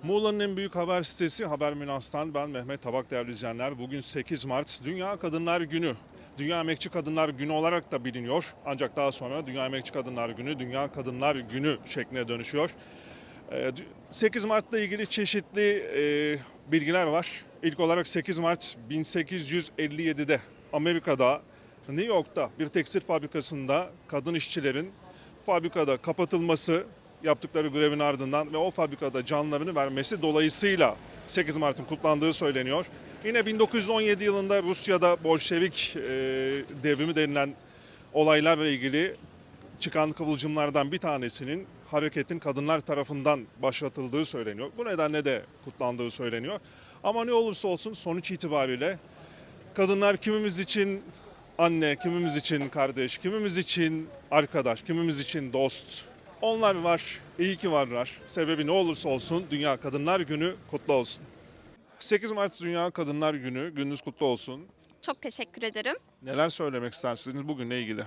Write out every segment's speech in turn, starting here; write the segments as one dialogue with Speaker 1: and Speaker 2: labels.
Speaker 1: Muğla'nın en büyük haber sitesi Haber Münas'tan ben Mehmet Tabak, değerli izleyenler. Bugün 8 Mart Dünya Kadınlar Günü. Dünya Emekçi Kadınlar Günü olarak da biliniyor. Ancak daha sonra Dünya Emekçi Kadınlar Günü, Dünya Kadınlar Günü şekline dönüşüyor. 8 Mart'la ilgili çeşitli bilgiler var. İlk olarak 8 Mart 1857'de Amerika'da, New York'ta bir tekstil fabrikasında kadın işçilerin fabrikada kapatılması, yaptıkları grevin ardından ve o fabrikada canlarını vermesi dolayısıyla 8 Mart'ın kutlandığı söyleniyor. Yine 1917 yılında Rusya'da Bolşevik devrimi denilen olaylarla ilgili çıkan kıvılcımlardan bir tanesinin hareketin kadınlar tarafından başlatıldığı söyleniyor. Bu nedenle de kutlandığı söyleniyor. Ama ne olursa olsun sonuç itibariyle kadınlar kimimiz için anne, kimimiz için kardeş, kimimiz için arkadaş, kimimiz için dost. Onlar var, iyi ki varlar. Sebebi ne olursa olsun Dünya Kadınlar Günü kutlu olsun. 8 Mart Dünya Kadınlar Günü, gününüz kutlu olsun.
Speaker 2: Çok teşekkür ederim.
Speaker 1: Neler söylemek istersiniz bugünle ilgili?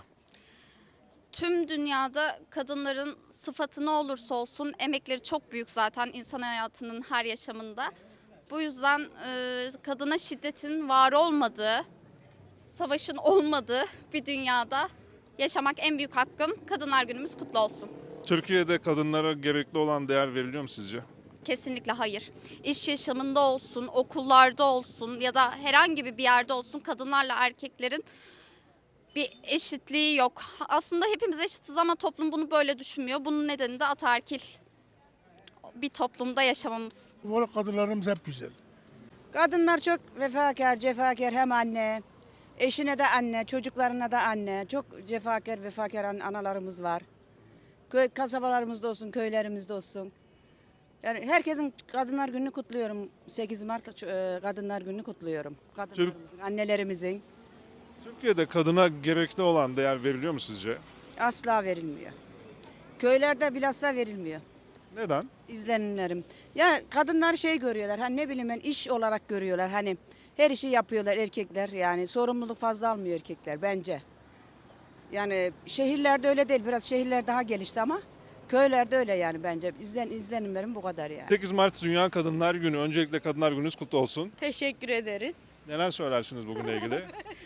Speaker 2: Tüm dünyada kadınların sıfatı ne olursa olsun emekleri çok büyük zaten insan hayatının her yaşamında. Bu yüzden kadına şiddetin var olmadığı, savaşın olmadığı bir dünyada yaşamak en büyük hakkım. Kadınlar Günümüz kutlu olsun.
Speaker 1: Türkiye'de kadınlara gerekli olan değer veriliyor mu sizce?
Speaker 2: Kesinlikle hayır. İş yaşamında olsun, okullarda olsun ya da herhangi bir yerde olsun kadınlarla erkeklerin bir eşitliği yok. Aslında hepimiz eşitiz ama toplum bunu böyle düşünmüyor. Bunun nedeni de ataerkil bir toplumda yaşamamız.
Speaker 3: Bu kadınlarımız hep güzel.
Speaker 4: Kadınlar çok vefakar, cefakar, hem anne, eşine de anne, çocuklarına da anne. Çok cefakar, vefakar analarımız var. Köy kasabalarımızda olsun, köylerimizde olsun. Yani herkesin Kadınlar Günü'nü kutluyorum. 8 Mart Kadınlar Günü'nü kutluyorum. Kadınlarımızın, annelerimizin
Speaker 1: Türkiye'de kadına gerekli olan değer veriliyor mu sizce?
Speaker 4: asla verilmiyor. Köylerde bilhassa verilmiyor.
Speaker 1: Neden?
Speaker 4: İzlenimlerim. Ya kadınlar şey görüyorlar. Hani ne bileyim ben iş olarak görüyorlar. Hani her işi yapıyorlar erkekler. Yani sorumluluk fazla almıyor erkekler bence. Yani şehirlerde öyle değil. Biraz şehirler daha gelişti ama köylerde öyle yani bence. İzlenimlerim bu kadar yani.
Speaker 1: 8 Mart Dünya Kadınlar Günü. Öncelikle Kadınlar Gününüz kutlu olsun.
Speaker 5: Teşekkür ederiz.
Speaker 1: Neler söylersiniz bugünle ilgili?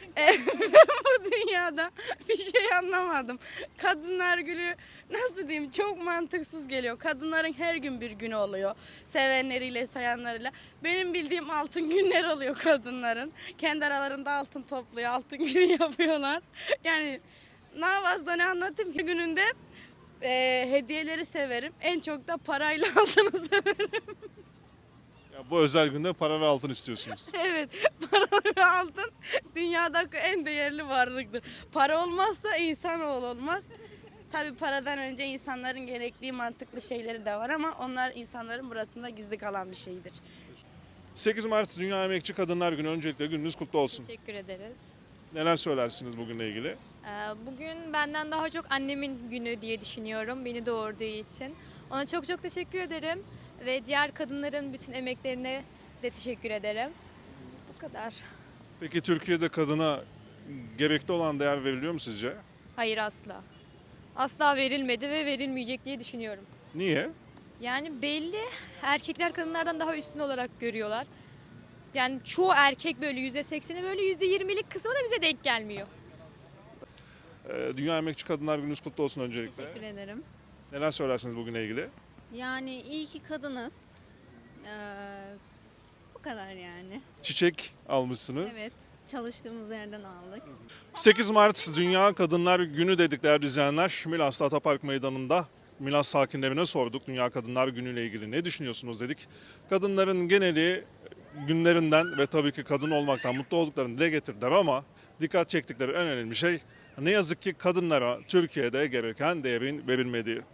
Speaker 5: Bu dünyada bir şey anlamadım. Kadınlar Günü nasıl diyeyim çok mantıksız geliyor. Kadınların her gün bir günü oluyor. Sevenleriyle, sayanlarıyla. Benim bildiğim altın günler oluyor kadınların. Kendi aralarında altın topluyor, altın günü yapıyorlar. Yani ne fazla ne anlatayım ki gününde hediyeleri severim. En çok da parayla altını severim.
Speaker 1: Ya bu özel günde para ve altın istiyorsunuz.
Speaker 5: Evet, para ve altın dünyadaki en değerli varlıktır. Para olmazsa insanoğlu olmaz. Tabii paradan önce insanların gerektiği mantıklı şeyleri de var ama onlar insanların burasında gizli kalan bir şeydir.
Speaker 1: 8 Mart Dünya Emekçi Kadınlar Günü. Öncelikle gününüz kutlu olsun.
Speaker 6: Teşekkür ederiz.
Speaker 1: Neler söylersiniz bugünle ilgili?
Speaker 6: Bugün benden daha çok annemin günü diye düşünüyorum, beni doğurduğu için. Ona çok çok teşekkür ederim ve diğer kadınların bütün emeklerine de teşekkür ederim. Bu kadar.
Speaker 1: Peki Türkiye'de kadına gerekli olan değer veriliyor mu sizce?
Speaker 6: Hayır, asla. Asla verilmedi ve verilmeyecek diye düşünüyorum.
Speaker 1: Niye?
Speaker 6: Yani belli, erkekler kadınlardan daha üstün olarak görüyorlar. Yani çoğu erkek böyle %80'i, böyle %20'lik kısmı da bize denk gelmiyor.
Speaker 1: Dünya Emekçi Kadınlar Gününüz kutlu olsun öncelikle.
Speaker 7: Teşekkür ederim.
Speaker 1: Neler söylersiniz bugünle ilgili?
Speaker 7: Yani iyi ki kadınız. Ee, bu kadar yani.
Speaker 1: Çiçek almışsınız.
Speaker 7: Evet, çalıştığımız yerden aldık.
Speaker 1: 8 Mart Dünya Kadınlar Günü dedik değerli izleyenler. Milas'ta Atapark Meydanı'nda Milas sakinlerine sorduk. Dünya Kadınlar Günü ile ilgili ne düşünüyorsunuz dedik. Kadınların geneli günlerinden ve tabii ki kadın olmaktan mutlu olduklarını dile getirdiler ama dikkat çektikleri en önemli şey ne yazık ki kadınlara Türkiye'de gereken değerin verilmediği.